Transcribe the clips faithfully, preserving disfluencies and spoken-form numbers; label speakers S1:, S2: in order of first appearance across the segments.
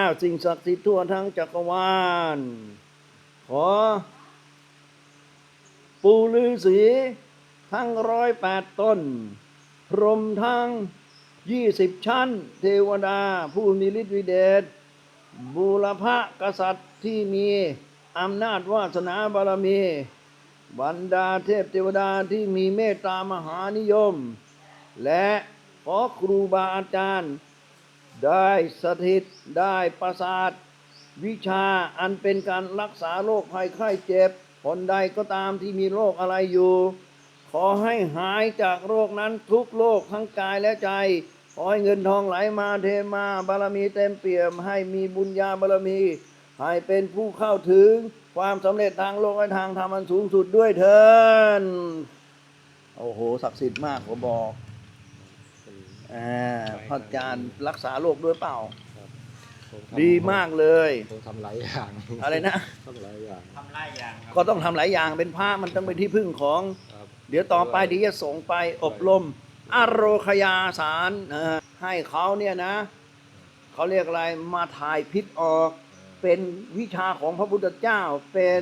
S1: สิ่งศักดิ์สิทธิ์ทั่วทั้งจักรวาลขอปู่ฤาษีทั้งร้อยแปดตนพรหมทั้งยี่สิบชั้นเทวดาผู้มีฤทธิ์วิเดชบูรพกษัตริย์ที่มีอำนาจวาสนาบารมีบรรดาเทพเทวดาที่มีเมตตามหานิยมและขอครูบาอาจารย์ได้สถิตได้ประสาทวิชาอันเป็นการรักษาโรคภัยไข้เจ็บคนใดก็ตามที่มีโรคอะไรอยู่ขอให้หายจากโรคนั้นทุกโรคทั้งกายและใจขอให้เงินทองไหลมาเทมาบารมีเต็มเปี่ยมให้มีบุญญาบารมีให้เป็นผู้เข้าถึงความสำเร็จทางโลกและทางธรรมอันสูงสุดด้วยเถิดโอ้โหศักดิ์สิทธิ์มากผมบอกอ่าพระอาจารย์รักษาโรคด้วยเปล่าดีมากเลย
S2: ต้องทำหลายอย่าง
S1: อะไรนะ
S2: ทำหลายอย่าง
S3: ทำหลายอย่าง
S1: ก็ต้องทำหลายอย่างเป็นพระมันต้องเป็นที่พึ่งของเดี๋ยวต่อไปเดี๋ยวจะส่งไปอบรมอโรคยาสารให้เขาเนี่ยนะเขาเรียกอะไรมาถ่ายพิษออกเป็นวิชาของพระพุทธเจ้าเป็น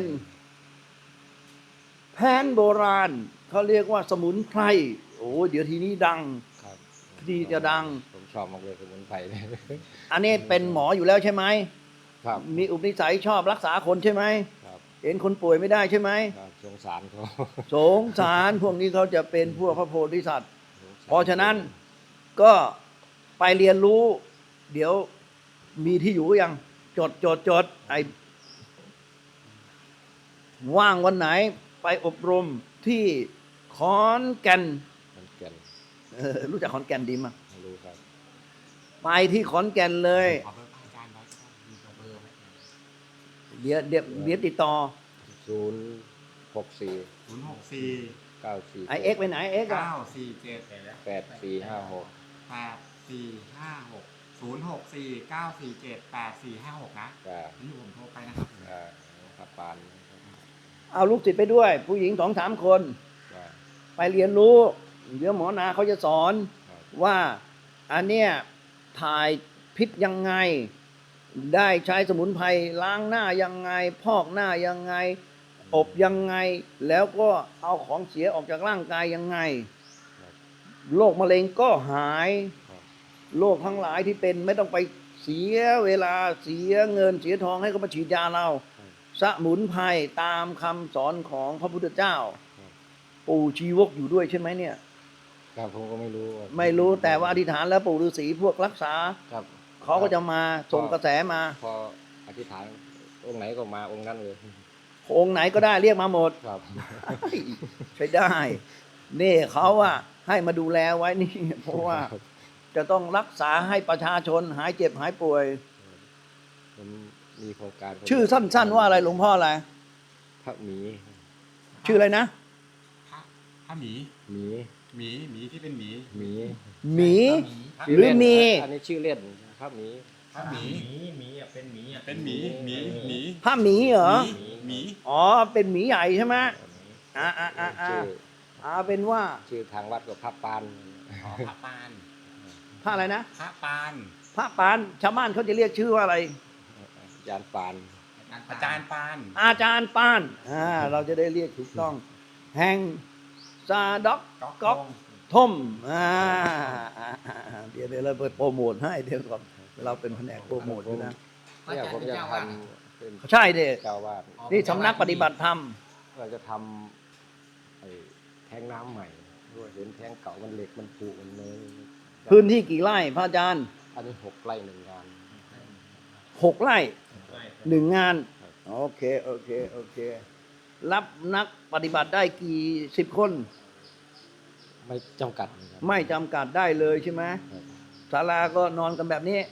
S1: แผนโบราณเขาเรียกว่าสมุนไพรโอ้เดี๋ยวทีนี้ดังดีจะดัง
S2: ผมชอบมากเลยสมุนไพรเนี่ย
S1: อันนี้เป็นหมออยู่แล้วใช่ไหม
S2: ครับ
S1: มีอุปนิสัยชอบรักษาคนใช่ไหม
S2: ครับ
S1: เห็นคนป่วยไม่ได้ใช่ไหม
S2: ครับสงสารเขา
S1: สงสารพวกนี้เขาจะเป็นพวกพระโพธิสัตว์เพราะฉะนั้นก็ไปเรียนรู้เดี๋ยวมีที่อยู่ยังจดจดจดไอ้ว่างวันไหนไปอบรมที่ขอนแก่น
S2: ขอนแก่น
S1: รู้จักขอนแก่นดีมั้ย
S2: รู้ครับ
S1: ไปที่ขอนแก่นเลยเดี๋ยวเดี๋ยวเดี๋ยวติดต่อ
S2: ศูนย์หกสี่
S3: ศูนย์หกสี่
S2: เก้าสี่
S1: ไอเอ็กไปไหนเอ็ก
S3: เก้าสี่เจ็ด
S2: แปดสี่ห้าหก
S3: แปดสี่ห้าหกศูนย์หกสี่เก้าสี่เจ็ดแปดสี่ห้าหกนะนี่ผมโทรไปนะครับ
S2: อ่าครับปาน
S1: เอาลูกศิษย์ไปด้วยผู้หญิงสองสามคนไปเรียนรู้เดี๋ยวหมอนาเขาจะสอนว่าอันเนี้ยถ่ายพิษยังไงได้ใช้สมุนไพรล้างหน้ายังไงพอกหน้ายังไงอบยังไงแล้วก็เอาของเสียออกจากร่างกายยังไงโรคมะเร็งก็หายโรคทั้งหลายที่เป็นไม่ต้องไปเสียเวลาเสียเงินเสียทองให้เขามาฉีดยาเราสมุนไพรตามคำสอนของพระพุทธเจ้าปู่ชีวกอยู่ด้วยใช่ไหมเนี่ย
S2: ครับผมก็ไม่รู้
S1: ไม่รู้แต่ว่าอธิษฐานแล้วปู่ฤาษีพวกรักษา
S2: ครับ
S1: เขาก็จะมาส่งกระแสมา
S2: พออธิษฐานองค์ไหนก็มาองค์นั้นเลย
S1: องค์ไหนก็ได้เรียกมาหมด
S2: ครับ
S1: ใช้ได้นี่เขาอะให้มาดูแลไว้นี่เพราะว่าจะต้องรักษาให้ประชาชนหายเจ็บหายป่วย
S2: ผมมีโครงการ
S1: ชื่อสั้นๆว่าอะไรหลวงพ่ออะไร
S2: พระหมี
S1: ชื่ออะไรนะ
S3: พระพระหมี
S2: หมี
S3: หมีหมีที่เป็นหมี
S2: หมี
S1: หมีหรือมี
S2: อันนี้ชื่อเล่นพระหมี
S3: พระหมีหมีอ่ะเป็นหมีอ่ะเป็นหมีหมีหมี
S1: พระหมีเหรอ
S3: หมี
S1: อ๋อเป็นหมีใหญ่ใช่ไหมอ่าอ่าอ่าอ่าอ่าเป็นว่า
S2: ชื่อทางวัดกับพระปาน
S3: อ๋อพระปาน
S1: พระอะไรนะ
S3: พระปาน
S1: พระปานชาวบ้านเขาจะเรียกชื่อว่าอะไร
S2: อาจารย์ปาน
S3: อาจารย์ปาน
S1: อาจารย์ปานอ่าเราจะได้เรียกถูกต้องแห่งซาด็อกก๊อกทมอ่าเดี๋ยวเดี๋ยวเราเปิดโปรโมทให้เดี๋ยวก่อนเราเป็นแผนกโปรโมทด้วยนะ
S2: เนี่ยผมจะทำ
S1: ใช่เด็ก
S2: เจ้าวาด
S1: นี่สำนักปฏิบัติธรรม
S2: เราจะทำไอ้แทงน้ำใหม่ด้วยเห็นแทงเก่ามันเหล็กมันผุมันเลย
S1: พื้นที่กี่ไร่พระอาจารย์
S2: อันนี้หกไร่หนึ่งงาน
S1: หกไร่หนึ่งงานโอเคโอเคโอเครับนักปฏิบัติได้กี่สิบคน
S2: ไม่จำกัด
S1: ไม่จำกัดได้เลยใช่ไหมศาลาก็นอนกันแบบนี้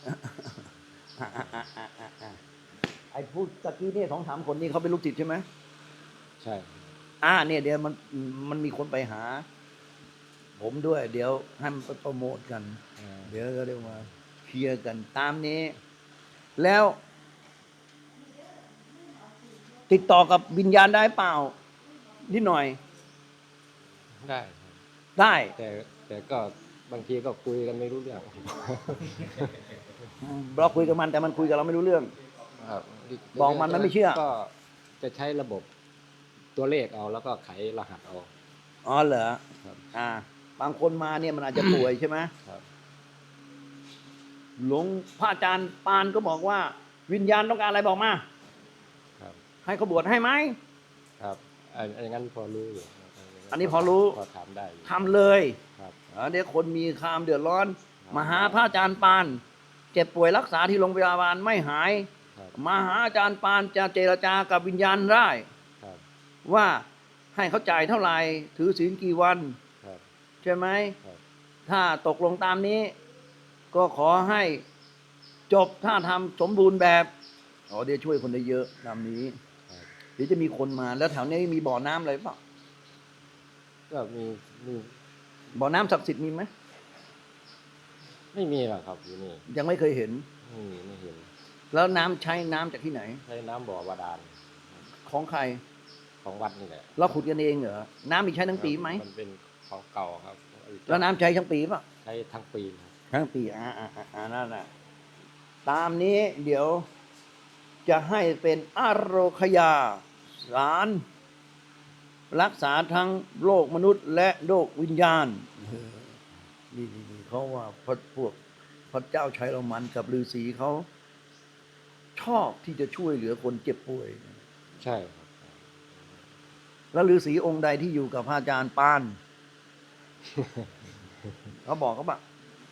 S1: ไอ้พูดตะกี้นี่สองสามคนนี้เขาเป็นลูกศิษย์ใช่ไหม
S2: ใช่
S1: อ่าเนี่ยเดี๋ยวมันมันมีคนไปหาผมด้วยเดี๋ยวให้มันโปรโมทกันเดี๋ยวก็เรียกมาเคลียร์กันตามนี้แล้วติดต่อกับวิญญาณได้เปล่านิดหน่อย
S2: ได้
S1: ได้
S2: แต่แต่ก็บางทีก็คุยกันไม่รู้เรื่อง
S1: เราคุยกับมันแต่มันคุยกับเราไม่รู้เรื่อง
S2: ครับ
S1: บอกมันมันไม่เชื่อ
S2: ก็จะใช้ระบบตัวเลขเอาแล้วก็ไขรหัสเอา
S1: อ๋อเหรอ
S2: ครับ
S1: อ่า บางคนมาเนี่ยมันอาจจะป่วยใช่ไหม
S2: ครับ
S1: หลวงพระอาจารย์ปานก็บอกว่า วิญญาณต้องการอะไรบอกมา
S2: ครับ
S1: ให้เขาบวชให้ไหม
S2: ครับอันอันนั้นพอรู้อยู่
S1: อันนี้พอรู้
S2: พอถามได้อยู่
S1: ทำเลย
S2: ครับ
S1: อ่าเดี๋ยวคนมีคามเดือดร้อน
S2: ครับ
S1: มาหาพระอาจารย์ปานเจ็บป่วยรักษาที่โรงพยาบาลไม่หาย
S2: ครับ
S1: มาหาอาจารย์ปานจะเจรจากับวิญญาณได้
S2: ครับ
S1: ว่าให้เขาจ่ายเท่าไหร่ถือศีลกี่วัน
S2: ครับ
S1: ใช่ไหม
S2: ครับ
S1: ถ้าตกลงตามนี้ ก็ขอให้จบถ้าทำสมบูรณ์แบบอ๋อเดี๋ยวช่วยคนได้เยอะตามนี้
S2: ครับ
S1: เดี๋ยวจะมีคนมาแล้วแถวนี้มีบ่อน้ำอะไรเปล่า
S2: ก็มีมี
S1: บ่อน้ำศักดิ์สิทธิ์มีไหม
S2: ไม่มีหรอกครับอยู่นี่
S1: ยังไม่เคยเห็น
S2: ไม่มีไม่เห็น
S1: แล้วน้ำใช้น้ำจากที่ไหน
S2: ใช้น้ำบ่อบาดาล
S1: ของใคร
S2: ของวัดนี่แหละ
S1: เราขุดกันเองเหรอน้ำมีใช้ทั้งปีไหม
S2: มันเป็นของเก่าครับ
S1: แล้วน้ำใช้ทั้งปีเปล่ะ
S2: ใช้ทั้งปีครับ
S1: ทั้งปีอ่าอ่าอ่าอ่านั่นแหละตามนี้เดี๋ยวจะให้เป็นอโรคยาสารรักษาทั้งโลกมนุษย์และโลกวิญญาณเออนี่นี่นี่เขาว่าพระพวกพระเจ้าชัยโรมันกับฤาษีเขาชอบที่จะช่วยเหลือคนเจ็บป่วย
S2: ใช่ครับ
S1: แล้วฤาษีองค์ใดที่อยู่กับพระอาจารย์ปาน เขาบอกเขาปะ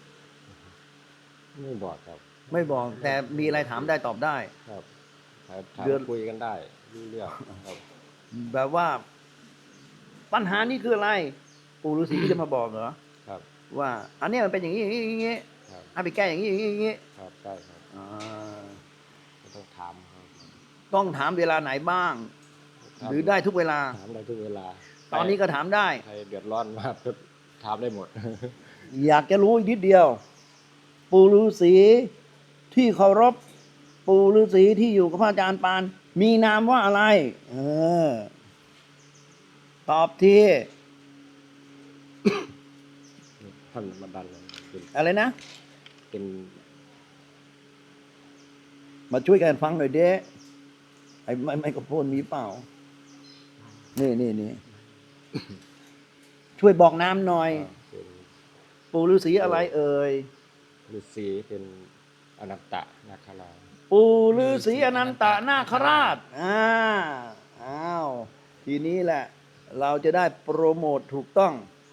S2: ไม่บอกครับ
S1: ไม่บอกแต่มีอะไรถามได้ตอบได้
S2: ครับถามถาม
S1: เดือน
S2: คุยกันได้รู้เรื่องครับ
S1: แบบว่าปัญหานี้คืออะไร ปู่ฤาษีก็จะมาบอกเหรอ
S2: ครับ
S1: ว่า อันเนี้ยมันเป็นอย่างนี้อย่างนี้อย่างนี้
S2: ครับ
S1: ให้ไปแก้อย่างนี้อย่างนี้อย่างนี้
S2: ครับใช่ครับ
S1: อ่า
S2: ไม่ต้องถามครับ
S1: ต้องถามเวลาไหนบ้าง หรือได้ทุกเวลา
S2: ถามได้ทุกเวลา
S1: ตอนนี้ก็ถามได้
S2: ใครเดือดร้อนมากก็ถามได้หมด
S1: อยากจะรู้อีกนิดเดียว ปู่ฤาษีที่เคารพปู่ฤาษีที่อยู่กับพระอาจารย์ปาน มีนามว่าอะไร เออ ตอบที
S2: ท่านมาดันเลยเป็น
S1: อะไรนะ
S2: เป็น
S1: มาช่วยกันฟังหน่อยเด้ไอ้ไม้ไมโครโฟนมีเปล่า นี่นี่นี่ ช่วยบอกน้ำหน่อย
S2: เป็น
S1: ปู่ฤาษีอะไรเอ่ย
S2: ฤาษีเป็นอนัตตนาคราช
S1: ปู่ฤาษีอนันตนาคราช อ่า อ้าว ทีนี้แหละ เราจะได้โปรโมทถูกต้อง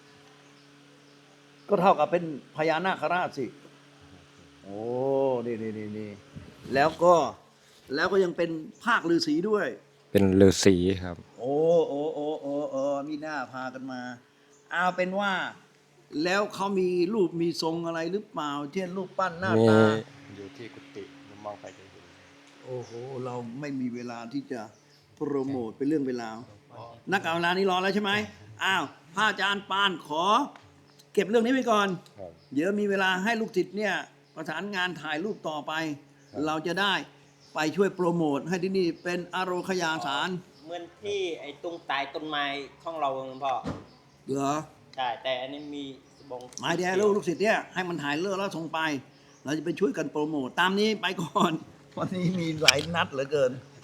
S1: ก็เท่ากับเป็นพญานาคราชสิ โอ้ นี่นี่นี่นี่แล้วก็ แล้วก็ยังเป็นภาคฤาษีด้วย
S2: เป็นฤาษีครับ
S1: โอ้โอ้โอ้โอ้โอ้มีหน้าพากันมา เอาเป็นว่า แล้วเขามีรูปมีทรงอะไรหรือเปล่า เช่นรูปปั้นหน้า
S2: มี
S1: ตา
S2: อยู่ที่กุฏิผมมองไปจะเห็น
S1: โอ้โห เราไม่มีเวลาที่จะโปรโมทเป็นเรื่องเวลาวนักการเวลานี้รอแล้วใช่ไหมอ้าวพระอาจารย์ปานขอ เก็บเรื่องนี้ไว้ก่อน
S2: ครับ
S1: เดี๋ยวมีเวลาให้ลูกศิษย์เนี่ยประสานงานถ่ายรูปต่อไป
S2: ครับ
S1: เราจะได้ไปช่วยโปรโมทให้ที่นี่เป็นอโรคยาสาร
S4: เหมือนที่ไอ้ตรงใต้ต้นไม้ของเราหลวงพ่อ
S1: เหรอ
S4: ใช่แต่อันนี้มีสบง
S1: หมายเดียวลูกลูกศิษย์เนี่ยให้มันถ่ายเลือกแล้วส่งไป เราจะไปช่วยกันโปรโมทตามนี้ไปก่อนวันนี้มีหลายนัดเหลือเกิน